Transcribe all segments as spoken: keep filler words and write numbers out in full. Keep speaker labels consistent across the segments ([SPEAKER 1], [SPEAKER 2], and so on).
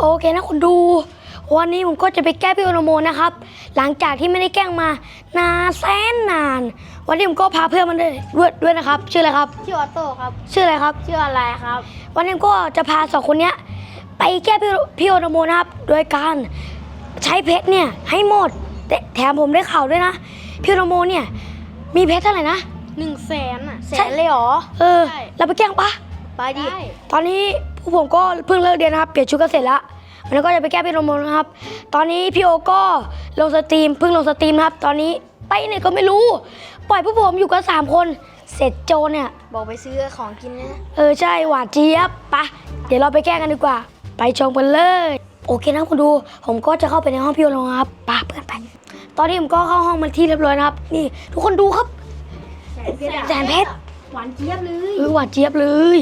[SPEAKER 1] โอเคนะคุณดูวันนี้ผมก็จะไปแก้พี่โอโนโมนะครับหลังจากที่ไม่ได้แกล้งมานานแสนนานวันนี้ผมก็พาเพื่อนมาด้วยด้วยด้วยนะครับชื่ออะไรครับ
[SPEAKER 2] ชื่อออโต้ครับ
[SPEAKER 1] ชื่ออะไรครับ
[SPEAKER 2] ชื่ออะไรครับ
[SPEAKER 1] วันนี้ก็จะพาสองคนเนี้ยไปแก้พี่พี่โอโนโมนะครับโดยการใช้เพชรเนี่ยให้หมดแต่แถมผมได้ข่าวด้วยนะพี่โอโนโมเนี่ยมีเพชรเท่าไหร่นะ
[SPEAKER 2] หนึ่งแสนอ่ะแส
[SPEAKER 1] ใช่
[SPEAKER 2] นเลยเหรอ
[SPEAKER 1] เออเราไปแกล้งปะ
[SPEAKER 2] ไปดิ
[SPEAKER 1] ตอนนี้พวกผมก็เพิ่งเลิกเรียนนะครับเปลี่ยนชุดกันเสร็จแล้ววันนี้ก็จะไปแก้พี่โอโนโมนะครับตอนนี้พี่โอก็ลงสตรีมเพิ่งลงสตรีมครับตอนนี้ไปไหนก็ไม่รู้ปล่อยพวกผมอยู่กันสามคนเสร็จโจเนี่ย
[SPEAKER 2] บอกไปซื้อของกินนะ
[SPEAKER 1] เออใช่หวานเจี๊ยบปะเดี๋ยวเราไปแก้กันดีกว่าไปชมกันเลยโอเคนะคุณดูผมก็จะเข้าไปในห้องพี่โอโนครับปะเพื่อนไปตอนนี้ผมก็เข้าห้องมาที่เรียบร้อยนะครับนี่ทุกคนดูครับแสนเพชร
[SPEAKER 2] หวานเจี๊ยบเลย
[SPEAKER 1] เออหวานเจี๊ยบเลย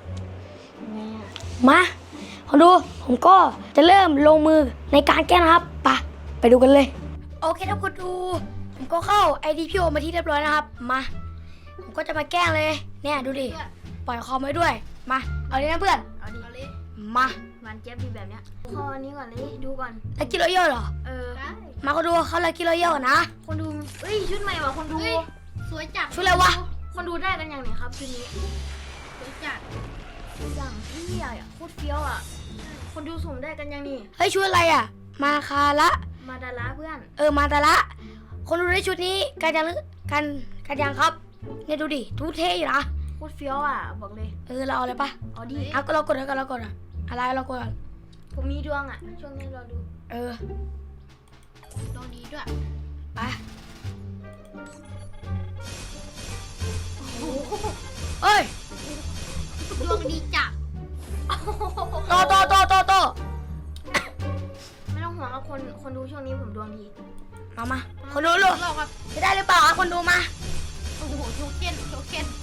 [SPEAKER 1] มาคุณดูผมก็จะเริ่มลงมือในการแก้นะครับปะไปดูกันเลยโอเคนะคุณดูผมก็เข้าไอดีพี่โอมาที่เรียบร้อยนะครับมาผมก็จะมาแกล้งเลยเนี่ยดูดิปล่อยคอมไว้ด้วยมาเอาเลยนะเพื่อน
[SPEAKER 2] เอาดิเอาเลย
[SPEAKER 1] มา
[SPEAKER 2] หวานเจี๊ยบดีแบบเนี้ยข้อนี้ก่อนเลยดูก่อน
[SPEAKER 1] ลักกี้รอยัลเหรอ
[SPEAKER 2] เออ
[SPEAKER 1] มาคนดูเขาลักกี้รอยัลนะ
[SPEAKER 2] คนดูเอ้ยชุดใหม่ว่ะคนดูสวยจัด
[SPEAKER 1] ชุดอะไรวะ
[SPEAKER 2] คนดูได้กันอย่างไหนครับชุดนี้สวยจัดอย่างที่ใหญ่อะโคตรเฟี้ยวอะคนดูสุ่มได้กันยังนี่
[SPEAKER 1] เฮ้ยชุดอะไรอ่ะมาคาละ
[SPEAKER 2] มาดาระเพื่อน
[SPEAKER 1] เออมาดาระคนดูได้ชุดนี้กันยังกันกันยังครับเนี่ยดูดิทุเท่อยู่นะ
[SPEAKER 2] โคตรเฟี้ยวอ่ะบอกเลย
[SPEAKER 1] เออเราเอาเลยปะ
[SPEAKER 2] เอาดิ
[SPEAKER 1] เอาก็เรากดแล้วก็เรากดอ่ะอะไรเรากด
[SPEAKER 2] ผมมีดวงอ่ะช่วงนี้เราดู
[SPEAKER 1] เออ
[SPEAKER 2] ดวงดีด้วย
[SPEAKER 1] ไปเอ้ย
[SPEAKER 2] ดวงดีจัด
[SPEAKER 1] โตโตโตโตโต
[SPEAKER 2] ไม่ต้องห่วงครับคนคนดูช่วงนี้ผมดวงดี
[SPEAKER 1] มามาคนดูลูกจะได้หรือเปล่าคนดูมา
[SPEAKER 2] โอ้โหโชเก้นโชเก้น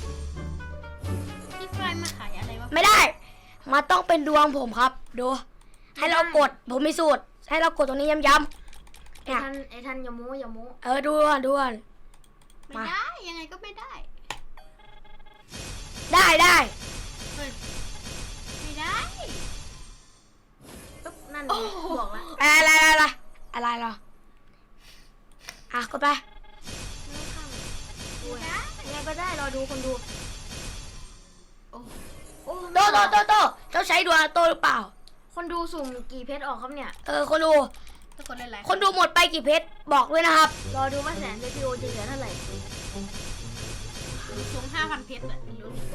[SPEAKER 2] ที่ไฟมาขายอะไรวะ
[SPEAKER 1] ไม่ได้มาต้องเป็นดวงผมครับดูให้เรากดผมมีสูตรให้เรากดตรงนี้ย้ำๆ
[SPEAKER 2] ไอ้ท่านไอ้ท่านอย่าโม้อย่าโม้
[SPEAKER 1] เออดูอ่ะดูอ่ะ
[SPEAKER 2] ไม่ได้ยังไงก็ไม่ได้
[SPEAKER 1] ได้ได้
[SPEAKER 2] ไม่ได้ปุ๊บนั่นบอกแล้ว
[SPEAKER 1] อะไรอะไรอะไรอะไรอ่ะกดไป
[SPEAKER 2] ยังไงก็ได้รอดูคนดูโอ้โอ้
[SPEAKER 1] โตโตโตโตเจ้าใช้ดวงโตหรือเปล่า
[SPEAKER 2] คนดูสุ่มกี่เพชรออกครับเนี่ย
[SPEAKER 1] เออคนดูคนดูหมดไปกี่เพชรบอกด้วยนะครับ
[SPEAKER 2] รอดูว่าแสนเดพิโอจะเหลือเท่าไหร่สุ่มห้าพันเพชรอะ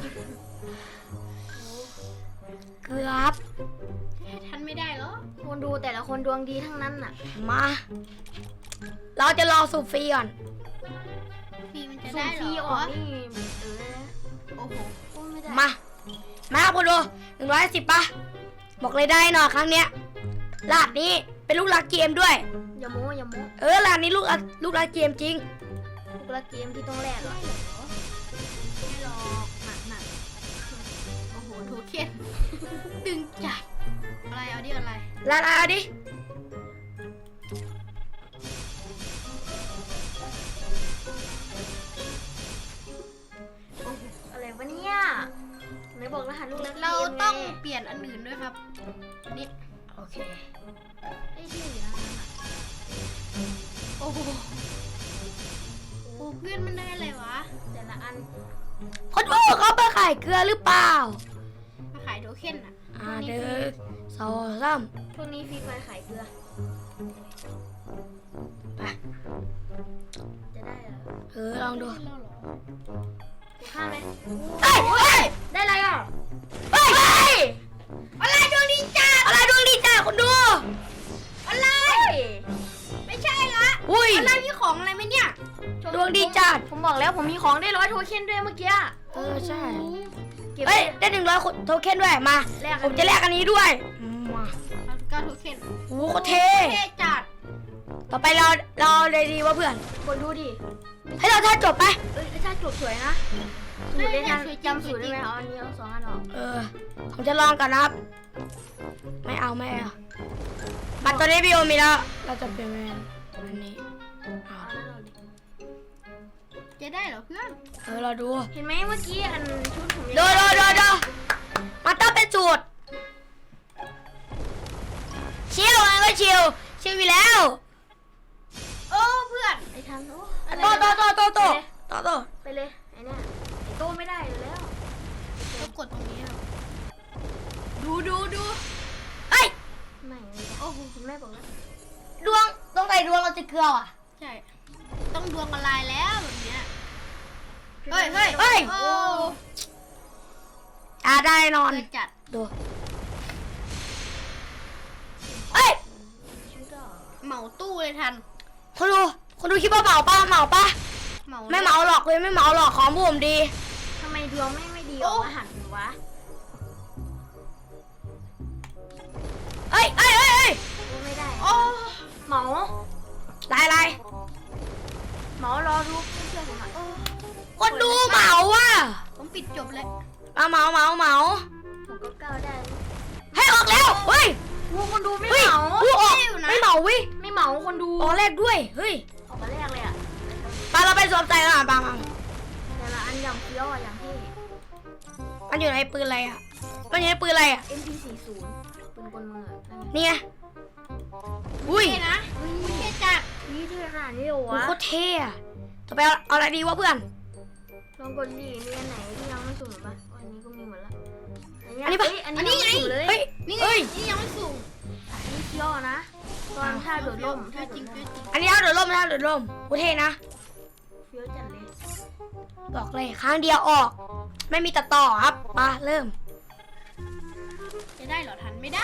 [SPEAKER 1] เกือบ
[SPEAKER 2] ทันไม่ได้หรอคนดูแต่ละคนดวงดีทั้งนั้นน่ะ
[SPEAKER 1] มาเราจะรอสูบฟรีก่อน
[SPEAKER 2] ฟรีมันจะได้หรอนี่เออโอ้โหไม่ได้
[SPEAKER 1] มามาคุณดูหนึ่งร้อยสิบป่ะบอกเลยได้หน่อยครั้งเนี้ยลาดนี้เป็นลูกรักเกมด้วย
[SPEAKER 2] อย่าโม้อย่าโม้
[SPEAKER 1] เออลาดนี้ลูกลูกรักเกมจริง
[SPEAKER 2] ลูกรักเกมที่ต้องแลกเหรอไม่หรอกหนักหนักโอ้โหโทเค็นดึงจัดอะไรเอาดิอะไร
[SPEAKER 1] ลาดเอาดิ
[SPEAKER 2] อะไรวะเนี่ยไหนบอกรหัสลูกรักเราต้องเปลี่ยนอันอื่นด้วยครับนี่
[SPEAKER 1] โอเค
[SPEAKER 2] ไอ้ที่อยู่นะโอ้โหโอ้เพื่อนมันได้อะไรวะแต่ละอัน
[SPEAKER 1] คนดูเขาไปขายเกลือหรือเปล่า
[SPEAKER 2] มาขายโทเค็นอ่ะ
[SPEAKER 1] อ่าเด้อสองสาม
[SPEAKER 2] พวกนี้ฟรีไฟขายเกลือ
[SPEAKER 1] ไป
[SPEAKER 2] จะได้เหรอ
[SPEAKER 1] เออลองดู
[SPEAKER 2] กูฆ่าไหม
[SPEAKER 1] เฮ้ยเฮ้ย
[SPEAKER 2] ได้อะไรอ่ะ
[SPEAKER 1] เฮ้ย
[SPEAKER 2] อะไรดวงดีจ้า
[SPEAKER 1] อะไรดวงดีจ้าคนดู
[SPEAKER 2] อะไรไม่ใช่ละอะไรมีของอะไรไหมเนี่ย
[SPEAKER 1] ดวงดีจัด
[SPEAKER 2] ผมบอกแล้วผมมีของได้ร้อยโทเค็นด้วยเมื่อกี้
[SPEAKER 1] เออใช่เฮ้ยได้หนึ่งร้อยโทเค็นด้วยมาผมจะแลกอันนี้ด้วยมา
[SPEAKER 2] เก้าโทเค็น
[SPEAKER 1] โอ้โหเท่
[SPEAKER 2] จัด
[SPEAKER 1] ต่อไปเราเราเลยดีว่าเพื่อน
[SPEAKER 2] คนดูดิ
[SPEAKER 1] ให้เราท่าจบไป
[SPEAKER 2] เอ้ยท่าจบสวยนะสูตรได้ทันจำสูตรได้ไหมเอาอันนี้เอาสองอันออก
[SPEAKER 1] เออผมจะลองกันนะครับไม่เอาไม่เอาบัตรตัวนี้พี่โอมีแล้วเราจะเปลี่ยนเป็นอันนี้
[SPEAKER 2] เอาจะได้เหรอเพื่อน
[SPEAKER 1] เออเราดู
[SPEAKER 2] เห็นไหมเมื่อกี้อันชุดผม
[SPEAKER 1] ดูดูดูดูมันต้องเป็นสูตรชิวชิวอยู่แล้ว
[SPEAKER 2] โอ้เพื่อนไอ้ทันโอ้อะไร
[SPEAKER 1] โตโตโตโตโตโตโต
[SPEAKER 2] ไปเลยไอ้เนี่ยไอ้โตไม่ได้อยู่แล้วต้องกดตรงนี้ดูดูดู
[SPEAKER 1] เฮ้ย
[SPEAKER 2] ไม่โอ้โหคุณแม่บอกแล้ว
[SPEAKER 1] ดวงตรงไหนดวงเราจะเกลืออ่ะ
[SPEAKER 2] ใช่ต้องดวงละลายแล้วแบบเนี้ยเฮ้ยเฮ้ย
[SPEAKER 1] เฮ้ย
[SPEAKER 2] โอ้
[SPEAKER 1] อ่าได้นอน
[SPEAKER 2] เกิดจัด
[SPEAKER 1] ดูเฮ้ย
[SPEAKER 2] ชุดอ่ะเหมาตู้เลยทัน
[SPEAKER 1] คนดูคนดูคิดว่าเหมาป่ะเหมาป่ะ
[SPEAKER 2] เหมา
[SPEAKER 1] ไม่เหมาหรอกเลยไม่เหมาหรอกของผมดี
[SPEAKER 2] ทำไมดวงไม่ไม่ดีออกมาหันวะ
[SPEAKER 1] เฮ้ยเฮ้ยเฮ้ยเฮ้ย
[SPEAKER 2] ดูไม่ได้โอ้เหมา
[SPEAKER 1] ลายลาย
[SPEAKER 2] เหมารอดูไม่เชื่อผมอ่ะ
[SPEAKER 1] คนดูเหมาว่ะ
[SPEAKER 2] ผมปิดจบเลย
[SPEAKER 1] เอาเหมาเหมาเหมา
[SPEAKER 2] ผมก็ก้าวได้
[SPEAKER 1] ให้ออกแล้วเฮ้ย
[SPEAKER 2] วูคนดูไม่
[SPEAKER 1] เฮ้ย
[SPEAKER 2] เหมา
[SPEAKER 1] กูออก
[SPEAKER 2] อยู่นะ
[SPEAKER 1] ไม่เหมาวิ
[SPEAKER 2] ไม่เหมาคนดู
[SPEAKER 1] ออกแรกด้วยเฮ้ย
[SPEAKER 2] ออกมาแรกเลยอ่ะ
[SPEAKER 1] ไปเราไปสวมใจกันอ่ะปังปัง
[SPEAKER 2] แต่ละอันอย่างเฟี้ยวอ่ะอย่างที่
[SPEAKER 1] มันอยู่ในปืนอะไรอ่ะมันอยู่ในปืนอะไรอ่ะ
[SPEAKER 2] เอ็ม พี สี่สิบ ปืนกลมืออะนั่นไง
[SPEAKER 1] นี่ไงอุ้ย
[SPEAKER 2] เท่นะเท่จัดนี่เท่ขนาดนี้เหรอ
[SPEAKER 1] โอ้
[SPEAKER 2] วะ
[SPEAKER 1] โคตรเท่อะต่อไปเอาเอาอะไรดีวะเพื่อน
[SPEAKER 2] ลองกดดีมีอันไหนที่ยังไม่สุ่มหรือปะอันนี้ก็มีหมดละ
[SPEAKER 1] อันนี้ปะ
[SPEAKER 2] เยอันนี้ไงเลย
[SPEAKER 1] เฮ้ย
[SPEAKER 2] นี่ไง
[SPEAKER 1] เฮ้ย
[SPEAKER 2] นี่ยังไม่สุ่มอันนี้เฟี้ยวนะตอนท่าโดดร่มท่าโดดร่ม
[SPEAKER 1] อันนี้เอาเดือดร่มนะเดือดร่มโคตรเท่นะ
[SPEAKER 2] เฟี้ยวจัดเลย
[SPEAKER 1] บอกเลยครั้งเดียวออก ไม่มีตัดต่อครับมาเริ่ม
[SPEAKER 2] จะได้เหรอทันไม่ได้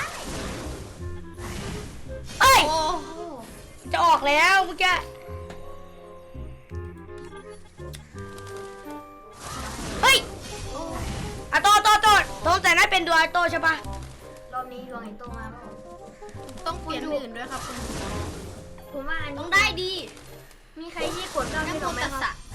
[SPEAKER 1] เอ้ย
[SPEAKER 2] โอ้
[SPEAKER 1] จะออกแล้วเมื่อกี้เฮ้ยอะโตโตโตโตแต่นั่นเป็นดวงไอโตใช่ปะ
[SPEAKER 2] รอบนี้ดวงไอ้โตมาแล้วต้องเปลี่ยนอื่นด้วยครับคุณผมว่าอันนี้
[SPEAKER 3] ต้องได้ดี
[SPEAKER 2] มีใครที่กดเก้าที่
[SPEAKER 3] น้ำ
[SPEAKER 2] เรา
[SPEAKER 3] โม
[SPEAKER 2] ไหม
[SPEAKER 3] ตัส
[SPEAKER 2] ครั
[SPEAKER 3] สะ
[SPEAKER 2] บ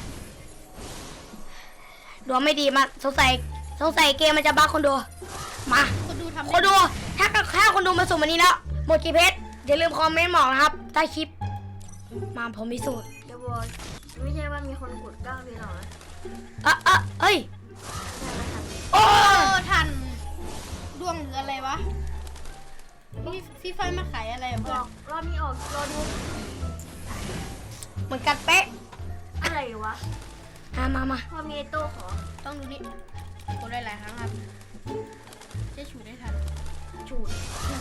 [SPEAKER 1] ดวงไม่ดีมากสงสัยสงสัยเกมมันจะบั๊กคนดูมา
[SPEAKER 3] คนดูทำ
[SPEAKER 1] คนดูถ้าถ้าคนดูมาสุ่มวันนี้แล้วหมดกี่เพชรอย่าลืมคอมเมนต์บอกนะครับใต้คลิปมาผมพิสูจน์
[SPEAKER 2] เดี๋ยวบอกไม่ใช่ว่ามีคนกดเก้าที่เรานะ
[SPEAKER 1] อ่ะอ่ะเอ้ย
[SPEAKER 2] ใช่แล้วครับ
[SPEAKER 1] โอ้
[SPEAKER 3] โอ้ทันดวงหรืออะไรวะพี่พี่ไฟมาขายอะไรอะ
[SPEAKER 2] บ
[SPEAKER 3] เพื่อ
[SPEAKER 2] อน กรอบนี้ออกรอดู
[SPEAKER 1] เหมือนกันเป๊ะ
[SPEAKER 2] อะไรวะ
[SPEAKER 1] อ่ะมามา
[SPEAKER 2] พอมีไอ้โต้ขอ
[SPEAKER 3] ต้องดูนี่กดได้หลายครั้งครับจะฉูดได้ทัน
[SPEAKER 2] จูด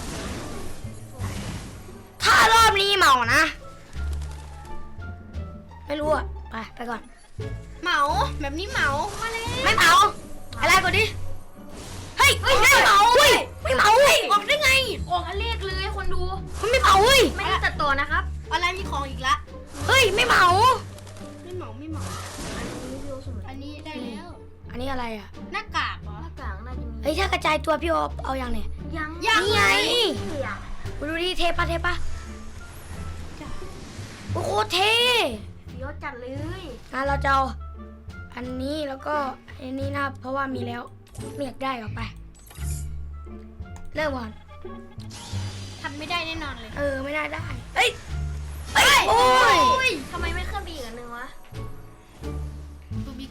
[SPEAKER 1] ถ้ารอบนี้เหมานะ ไม่รู้อ่ะไปไปก่อน
[SPEAKER 3] เหมาแบบนี้เหมามาเลย
[SPEAKER 1] ไม่เหมาอะไรก่อนดิเฮ้ยเฮ้ยไม่เหมาเฮ้ยไม่เหมาเฮ้ยออกได้ไง
[SPEAKER 2] ออกอันเลขเลยคนดู
[SPEAKER 1] มันไม่เหมาเฮ้ย
[SPEAKER 2] ไม่ได้ตัดต่อนะครับ
[SPEAKER 3] อะไรมีของอีกละ
[SPEAKER 1] เฮ้ยไม่เหมา
[SPEAKER 3] ไม่เหมาไม่เหมา
[SPEAKER 2] อันนี้พี่โอสม
[SPEAKER 3] อันนี้ได้แล้ว
[SPEAKER 1] อันนี้อะไรอ่ะ
[SPEAKER 3] หน้ากากเหรอ
[SPEAKER 2] หน้ากากน่าจะมี
[SPEAKER 1] เฮ้ยถ้ากระจายตัวพี่โอเอาอย่างเนี่ย
[SPEAKER 2] ยัง
[SPEAKER 3] ยัง
[SPEAKER 1] นี่ไง
[SPEAKER 2] เสีย
[SPEAKER 1] มาดูดิเทปะเทปะโอ้โหเท่
[SPEAKER 2] เฟี้ยวจัดเลย
[SPEAKER 1] งั้นเราจะเอาอันนี้แล้วก็อันนี้นะเพราะว่ามีแล้วไม่อยากได้ออกไป เริ่มก่อน
[SPEAKER 3] ทันไม่ได้แน่นอนเลย
[SPEAKER 1] เออไม่ได้ได้เอ้ยเอ้ยโอ้ย
[SPEAKER 2] ทำไมไม่เคลื่อนไปอีกอันหนึ่งวะ
[SPEAKER 3] ดูบิ๊ก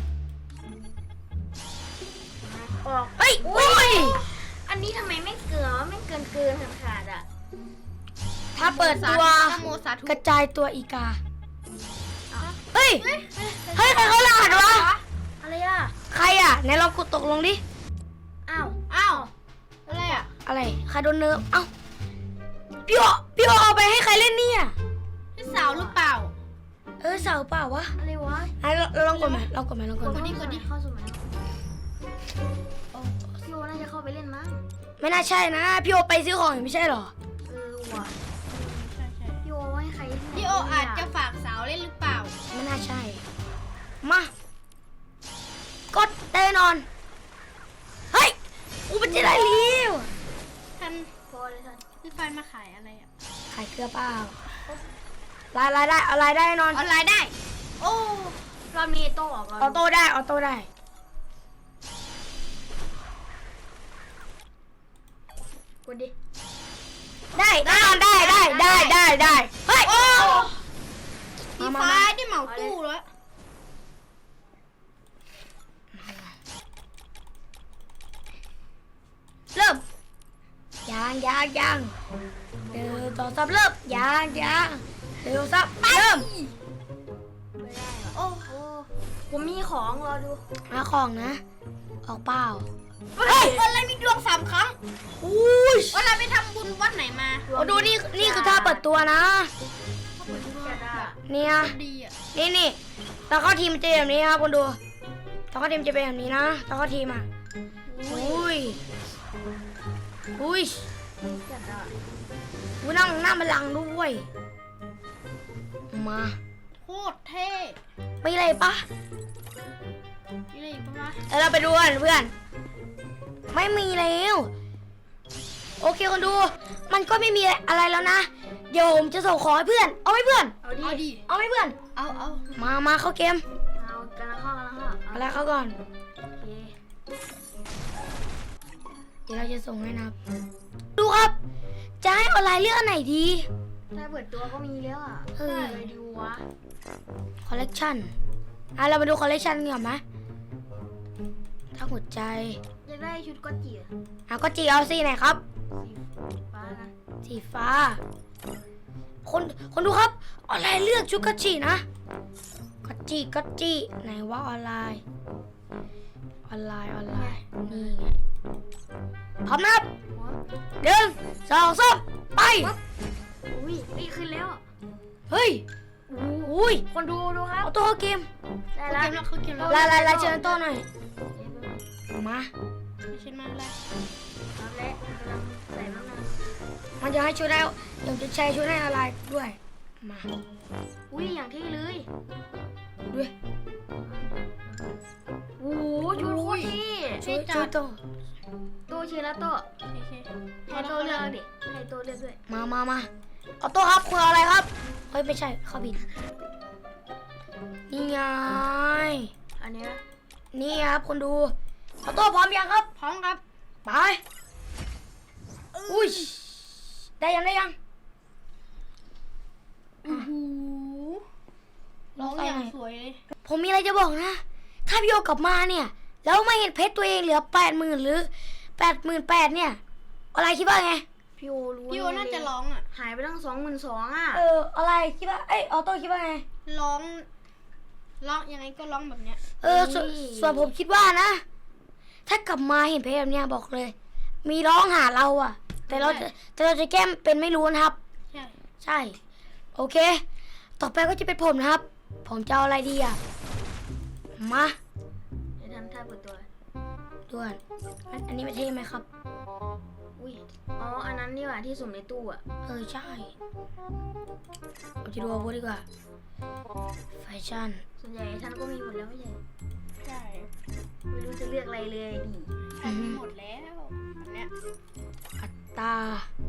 [SPEAKER 2] ออก
[SPEAKER 1] เอ้ยโอ้ย
[SPEAKER 2] อันนี้ทำไมไม่เกินวะไม่เกินเกินขาดขาดๆอ่ะ
[SPEAKER 1] ถ้าเปิดตัว
[SPEAKER 3] นะโมสาธุ
[SPEAKER 1] กระจายตัวอีกาเฮ้ยเฮ้ยใครเขารหัสวะ
[SPEAKER 2] อะไรอ่ะ
[SPEAKER 1] ใครอ่ะไหนลองกดตกลงดิ
[SPEAKER 2] อ้าว
[SPEAKER 3] อ้าวอะไรอ่ะ
[SPEAKER 1] อะไรใครโดนเนิร์ฟเอ้าพี่โอพี่โอเอาไปให้ใครเล่นเนี่ย
[SPEAKER 3] พี่สาวหรือเปล่า
[SPEAKER 1] เออเสาเปล่าวะ
[SPEAKER 2] อะไรวะ
[SPEAKER 1] ไหนเราเราลองกดไหมลองกดไหมลองกดไหม
[SPEAKER 3] กดดิกดดิ
[SPEAKER 2] เข้าสมัยพี่โอน่าจะเข้าไปเล่นมั้ง
[SPEAKER 1] ไม่น่าใช่นะพี่โอไปซื้อของอยู่ไม่ใช่เหรอ
[SPEAKER 2] เออว่ะ
[SPEAKER 3] ใช่ใช่
[SPEAKER 2] พี่โอให้ใครที่ไหน
[SPEAKER 3] พี่โออาจจะฝากสาวเล่นหรือเปล่า
[SPEAKER 1] ไม่น่าใช่ มา กดแน่นอน เฮ้ยอูมันจะได้เลี้ยว
[SPEAKER 3] ทัน
[SPEAKER 2] พอเลยท่าน
[SPEAKER 3] พี่ไฟมาขายอะไรอ่ะ
[SPEAKER 1] ขายเกลือเปล่ารายรายได้เอารายได้แน่นอน
[SPEAKER 3] ออนไลน์ได้
[SPEAKER 2] โอ้เรามีโต้ออก
[SPEAKER 1] ออโต้ได้ออโต้ได้
[SPEAKER 2] กดดิ
[SPEAKER 1] ได้แน่นอนได้ได้ได้ได้ได้เฮ้ย
[SPEAKER 3] โอ้
[SPEAKER 1] มา
[SPEAKER 3] พี่
[SPEAKER 1] มา
[SPEAKER 3] ไฟ
[SPEAKER 1] มา
[SPEAKER 3] ได้เหมาตู้แล้ว
[SPEAKER 1] เริ่ม อย่ายังยังยังเดี๋ยวต่อซับเริ่มยังยังเดี๋ยวซับเริ่ม
[SPEAKER 2] ไม่ได้หรอโอ้โหผมมีของรอดู
[SPEAKER 1] มาของนะ ออกเปล่า
[SPEAKER 3] เฮ้ยอะไรมีดวงสามครั้ง
[SPEAKER 1] อุ้ย
[SPEAKER 3] วันเราไปทำบุญวัดไหนมา
[SPEAKER 1] โอ้ดูนี่นี่คือท่าเปิดตัวนะ
[SPEAKER 2] จะได้
[SPEAKER 1] เนี่ย
[SPEAKER 3] ดีอ่ะ
[SPEAKER 1] นี่นี่ตอนเข้าทีมมันจะเป็นแบบนี้ครับคุณดูตอนเข้าทีมจะเป็นแบบนี้นะตอนเข้าทีมอ่ะอุ้ยอุ้ย
[SPEAKER 2] จะได้
[SPEAKER 1] อุ้ยนั่งหน้าบัลลังก์ด้วยมา
[SPEAKER 3] โคตรเท่
[SPEAKER 1] ไม่อะไรปะ
[SPEAKER 3] มีอะไรอีกปะวะ
[SPEAKER 1] แล้วเราไปดูกันเพื่อน ไม่มีแล้วโอเคคนดู มันก็ไม่มีอะไรแล้วนะเดี๋ยวผมจะส่งของให้เพื่อนเอาไหมเพื่อน
[SPEAKER 2] เอาดิ
[SPEAKER 3] เอาดิ
[SPEAKER 1] เอาไหมเพื่อน
[SPEAKER 3] เอาเอา
[SPEAKER 1] มามาเข้าเกม
[SPEAKER 2] เอากันละข้อกันละข้อ
[SPEAKER 1] เอาแล้วเข้าก่อน
[SPEAKER 2] โอเค
[SPEAKER 1] เดี๋ยวเราจะส่งให้นะครับดูครับ จะให้ออนไลน์เลือกอันไหนดี
[SPEAKER 2] ถ้าเปิดตัวก็มีแล้วอ่ะ
[SPEAKER 1] เออ
[SPEAKER 2] เลยดูวะ
[SPEAKER 1] คอลเลกชันอ่ะเรามาดูคอลเลกชันกันก่อนไหมถ้าหัวใจ
[SPEAKER 2] อยากได้ชุดก็จีอะ
[SPEAKER 1] อ่ะก็จีเอาสีไหนครับ
[SPEAKER 2] สีฟ้านะ
[SPEAKER 1] สีฟ้า คนคนดูครับออนไลน์เลือกชุดกัจจินะกัจจิกัจจิไหนว่าออนไลน์ ออนไลน์ออนไลน์นี่ไงพร้อมนะครับ
[SPEAKER 2] หัว
[SPEAKER 1] หนึ่งสองสามไป
[SPEAKER 2] อุ้ยนี่ขึ้นแล้ว
[SPEAKER 1] เฮ้ยอุ้ย
[SPEAKER 2] คนดูดูครับ
[SPEAKER 1] เอาตัวเข้าเกม
[SPEAKER 2] ได้
[SPEAKER 3] เขา
[SPEAKER 2] แล้ว
[SPEAKER 3] เกมแล้วเขาเกมแล้ว
[SPEAKER 1] ลายลายลายเชิญโต้หน่อยมา
[SPEAKER 3] เชิญมาอะไร
[SPEAKER 2] รับแล้วกำลังใส่น้ำหนัก
[SPEAKER 1] มันจะให้ชุดได้เดี๋ยวจะใช้ชุดให้ออนไลน์ด้วยมา
[SPEAKER 2] อุ้ยอย่างที่เลย
[SPEAKER 1] ด้วย
[SPEAKER 2] โอ้โหชุดโคตรที่
[SPEAKER 1] ชุดชุดโต
[SPEAKER 2] โตเชียร์แล้วโต
[SPEAKER 3] โอเค
[SPEAKER 2] ให้โตเลือกดิให้โตเลือกด้วย
[SPEAKER 1] มามามาเอาโต้ครับคุณเอาอะไรครับเฮ้ยไม่ใช่เขาผิดนี่ไง
[SPEAKER 2] อันนี้นะ
[SPEAKER 1] นี่ครับคนดูเอาโต้พร้อมยังครับ
[SPEAKER 3] พร้อมครับ
[SPEAKER 1] ไปอุ้ยได้ยังได้ยัง
[SPEAKER 3] โอ้โหร้องอย่างสวยเลย
[SPEAKER 1] ผมมีอะไรจะบอกนะ ถ้าพี่โอกลับมาเนี่ย แล้วไม่เห็นเพชรตัวเองเหลือแปดหมื่นหรือแปดหมื่นแปดเนี่ย อะไรคิดว่าไง
[SPEAKER 2] พี่โอรู้
[SPEAKER 3] พี่โอน่าจะร้องอ่ะ
[SPEAKER 2] หายไปตั้งสองหมื่นสองอ่ะ
[SPEAKER 1] เออ อะไรคิดว่า เอ้ยออโต้คิดว่าไง
[SPEAKER 3] ร้องร้องยังไงก็ร้องแบบเนี้ย
[SPEAKER 1] เออสส่วนผมคิดว่านะ ถ้ากลับมาเห็นเพชรแบบเนี้ยบอกเลย มีร้องหาเราอะแต่เราจะแต่เราจะแก้มเป็นไม่รู้นะครับ
[SPEAKER 3] ใช่
[SPEAKER 1] ใช่ โอเค ต่อไปก็จะเป็นผมนะครับ ผมจะเอาอะไรดีอะมา
[SPEAKER 2] เดี๋ยวทำท่าเปิดตัว
[SPEAKER 1] ด่วนอันอันนี้ไม่เท่ไหมครับ
[SPEAKER 2] อุ้ยอ๋ออันนั้นนี่หว่าที่สุ่มในตู้อ่ะ
[SPEAKER 1] เออ ใช่เราจะดูอาวุธดีกว่าแฟชั่น
[SPEAKER 2] ส่วนใหญ่ท่านก็มีหมดแล้วไม่ใช่
[SPEAKER 3] ใช่
[SPEAKER 2] ไม่รู้จะเลือกอะไรเลยดิ
[SPEAKER 3] ใช่มีหมดแล้วแบบเนี้ย
[SPEAKER 1] อัตรา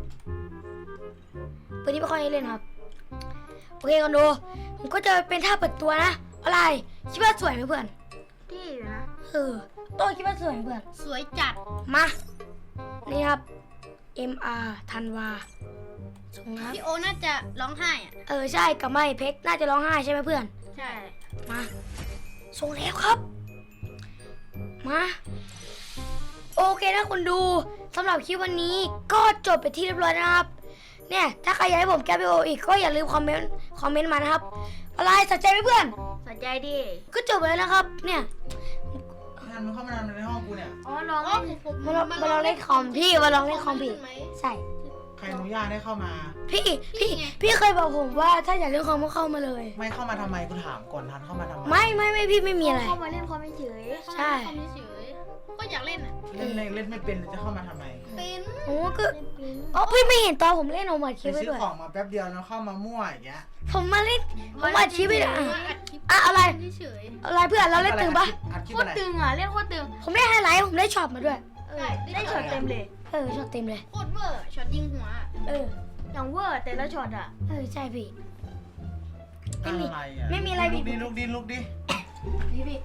[SPEAKER 1] ปืนนี้ไม่ค่อยได้เล่นครับ โอเคกันดู ผมก็จะเป็นท่าเปิดตัวนะ อะไร คิดว่าสวยไหมเพื่อน
[SPEAKER 2] ที่อยู่นะ
[SPEAKER 1] เออโต้คิดว่าสวยไหมเพื่อน
[SPEAKER 3] สวยจัด
[SPEAKER 1] มา นี่ครับ เอ็ม อาร์ ธันวาส่งครับ
[SPEAKER 3] พี่โอน่าจะร้องไห้อ่ะ
[SPEAKER 1] เออ ใช่กับไม่เพชรน่าจะร้องไห้ใช่ไหมเพื่อน
[SPEAKER 3] ใช่
[SPEAKER 1] มา ส่งแล้วครับ มา โอเคนะคุณดูสำหรับคลิปวันนี้ก็จบไปที่เรียบร้อยนะครับ เนี่ย ถ้าใครอยากให้ผมแก้วิดีโออีกก็อย่าลืมคอมเมนต์คอมเมนต์มานะครับ อะไรสนใจไหมเพื่อน
[SPEAKER 2] สนใจดิ
[SPEAKER 1] ก็จบไปแล้วนะครับ เนี่ย
[SPEAKER 4] งานมึงเข้ามานอนในห้องกูเนี่ย
[SPEAKER 2] อ๋อลอง
[SPEAKER 3] อ๋อ
[SPEAKER 2] เล่น
[SPEAKER 3] ผม
[SPEAKER 1] มาลองมาลองเล่นคอมพี่มาลองเล่นคอมพี่
[SPEAKER 3] ไหม
[SPEAKER 1] ใช่
[SPEAKER 4] ใครอนุญาตให้เข้ามา
[SPEAKER 1] พี่
[SPEAKER 3] พี่
[SPEAKER 1] พี่
[SPEAKER 3] ไง
[SPEAKER 1] พี่เคยบอกผมว่าถ้าอยากเล่นคอมก็เข้ามาเลย
[SPEAKER 4] ไม่เข้ามาทำไมกูถามก่อนทันเข้ามาทำไม
[SPEAKER 1] ไม่ไม่ไม่พี่ไม่มีอะไร
[SPEAKER 2] เข้ามาเล่นความเฉย
[SPEAKER 1] ใช่
[SPEAKER 3] เข้ามาเฉยๆก็อยากเล่นอ่ะ
[SPEAKER 4] เล่นไม่เล่นไม่เป็นจะเข้ามาทำไม
[SPEAKER 3] เป็น
[SPEAKER 1] โอ้ก็
[SPEAKER 2] เล่นปิ้น
[SPEAKER 1] อ๋อพี่ไม่เห็นตอนผมเล่นผมอัดค
[SPEAKER 4] ไป
[SPEAKER 1] ลิปไว้
[SPEAKER 4] ซื้อ
[SPEAKER 1] ด้วย
[SPEAKER 4] ของมาแป๊บเดียวแล้วเข้ามามั่วอย่างเงี้ย
[SPEAKER 1] ผมมาเล่นผมอัดคลิปไว้ด้วยอ่ะ
[SPEAKER 3] มาอัดคลิป
[SPEAKER 1] อ่ะอะไร
[SPEAKER 3] เฉย
[SPEAKER 1] อะไรเพื่อนเราเล่นตึงปะ
[SPEAKER 4] อัดคลิป
[SPEAKER 2] โค
[SPEAKER 4] อะ
[SPEAKER 2] ตร
[SPEAKER 4] ไร
[SPEAKER 2] ตึงอ่ะเล่นโคตรตึง
[SPEAKER 1] ผมได้ไฮไลท์ผมได้ช็อตมาด้วย
[SPEAKER 2] เออได้ช็อตเต็มเลย
[SPEAKER 1] เออช็อตเต็มเลย
[SPEAKER 3] ๆโคตรเวอร์ช็อตยิงหัวอะ
[SPEAKER 1] เออ
[SPEAKER 2] อย่างเวอร์แต่ละช็อตอ่ะ
[SPEAKER 1] เออใช่พี่ ไม่มี
[SPEAKER 4] อะไรอะ
[SPEAKER 1] ไม่มีอะไร
[SPEAKER 4] ลุก
[SPEAKER 1] ผิ
[SPEAKER 4] ดิ
[SPEAKER 1] ด
[SPEAKER 4] ลุกดิลุกดิ
[SPEAKER 1] พี่พี่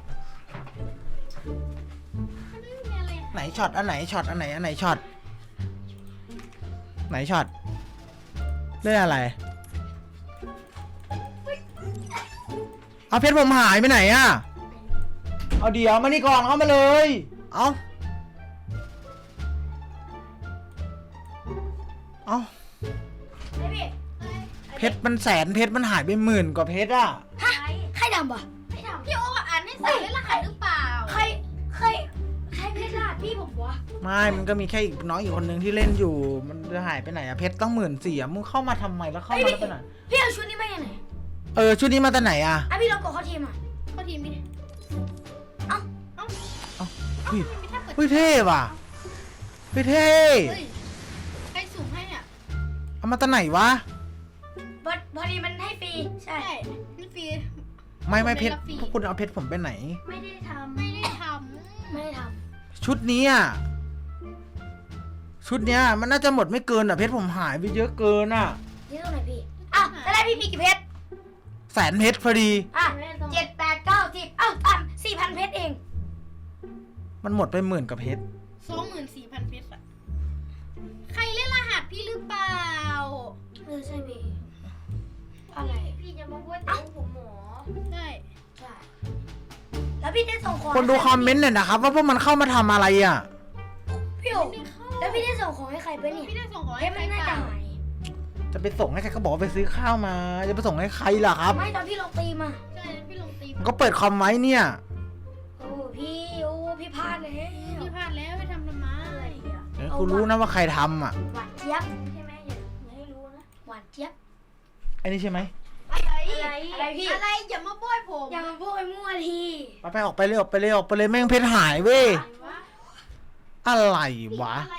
[SPEAKER 3] ไม่มีอะไร
[SPEAKER 4] ไหนช็อตอันไหนช็อตอันไหนอันไหนช็อตไหนช็อตเล่นอะไรเอาเพชรผมหายไปไหนอะเอาเดี๋ยวมานี่ก่อนเข้ามาเลยเอาเอ้า
[SPEAKER 1] ไอ้พี่
[SPEAKER 4] เพชรมันแสนเพชรมันหายไปหมื่นกว่าเพชรอะ
[SPEAKER 1] ฮะใครดำปะ
[SPEAKER 2] ไม่ทำพี่โอ๊คอ่านให้ใส่เล่นรหัสหรือเปล่า
[SPEAKER 1] ใครใครใครเพชรลาดพี่ผมวะ
[SPEAKER 4] ไม่มันก็มีแค่อีกน้องอีกคนนึงที่เล่นอยู่ มันจะหายไปไหนอะเพชรต้องหมื่นสี่อะมึงเข้ามาทำไมแล้วเข้ามาแล้วไปไหน
[SPEAKER 1] พี่เอาชุดนี้มาจากไหน
[SPEAKER 4] เออชุดนี้มาจากไหนอะ
[SPEAKER 1] อ่ะพี่ลองกดเข้าทีมอ่ะ
[SPEAKER 3] เข้าทีมพี่
[SPEAKER 4] เฮ้ย
[SPEAKER 3] ไม่ถ้าเปิด
[SPEAKER 4] เฮ้ยเท่ว่ะเฮ้ยเท่
[SPEAKER 3] เฮ้ยใครสุ่มให้อ่ะ
[SPEAKER 4] เอามาจากไหนวะ
[SPEAKER 1] บอพอดีมันให้ฟรีใช่
[SPEAKER 3] ใช่นี่ฟรี
[SPEAKER 4] ไม่ไม่เพชร
[SPEAKER 3] ผมไม่รับฟรี
[SPEAKER 4] พวกคุณเอาเพชรผมไปไหน
[SPEAKER 2] ไม่ได้ทำ
[SPEAKER 3] ไม่ได้ท
[SPEAKER 1] ไม่ได้ท
[SPEAKER 4] ชุดนี้อ่ะชุดเนี้ยมันน่าจะหมดไม่เกินอ่ะเพชรผมหายไปเยอะเกินอ่ะ
[SPEAKER 1] ำนี่ตรงไหนพี่อ้าวแล้วได้พี่มีกี่เพชร
[SPEAKER 4] แสนเพชรพอดี
[SPEAKER 1] อ่ะเจ็ดแปดเก้าสิบอ้าวอ่ะสี่พันเพชรเอง
[SPEAKER 4] มันหมดไปหมื่นกับเพชร
[SPEAKER 3] ำสองหมื่นสี่พันเพชรอะใครเล่นรหัสพี่หรือเปล่า
[SPEAKER 1] เออใช่พี่อะไร
[SPEAKER 2] พี่จะมาพูดถึงผมหมอ
[SPEAKER 3] ใช่
[SPEAKER 1] ใช่แล้วพี่ได้ส่งของ
[SPEAKER 4] คนดูคอมเมนต์หน่อยนะครับว่าพวกมันเข้ามาทำอะไรอ่ะ
[SPEAKER 1] พี่โอ๋แล้วพี่ได้ส่งของให้ใครไปเนี่ย
[SPEAKER 3] พี่ได้ส่งของ
[SPEAKER 1] เพ
[SPEAKER 3] ให้
[SPEAKER 1] ชร
[SPEAKER 3] ใคร
[SPEAKER 1] มัน
[SPEAKER 3] เป
[SPEAKER 1] น่าจะ
[SPEAKER 3] ล่า
[SPEAKER 1] หาย
[SPEAKER 4] จะไปส่งให้ใครก็บอกว่าไปซื้อข้าวมา จะไปส่งให้ใครล่ะครับ
[SPEAKER 1] ไม่ตอนพี่ลงตีมา
[SPEAKER 3] ใช่พี่ลงตี
[SPEAKER 4] มันก็เปิดคอมไว้เนี่ย
[SPEAKER 1] โอ้พี่โอ้พี่พลาดเลย
[SPEAKER 3] พี่พลาดแล้วไปทำทำไม
[SPEAKER 4] เดี๋ยวกูรู้นะว่าใครทำอ่ะ
[SPEAKER 1] หวานเจี๊ยบ
[SPEAKER 2] ใช่ไหมอย่าอย่าให้รู้นะ
[SPEAKER 1] หวานเจี๊ยบ
[SPEAKER 4] ไอ้นี่ใช่ไหม
[SPEAKER 3] อะไร
[SPEAKER 2] อะไร
[SPEAKER 1] อะไรพี่
[SPEAKER 3] อะไรอย่ามาโบยผม
[SPEAKER 1] อย่ามาพูดไอ้มั่วที
[SPEAKER 4] ไปไปออกไปเลยออกไปเลยออกไปเลยแม่งเพชรหายเว้ย
[SPEAKER 3] อะไรวะ
[SPEAKER 4] อะไรวะ
[SPEAKER 3] อะไร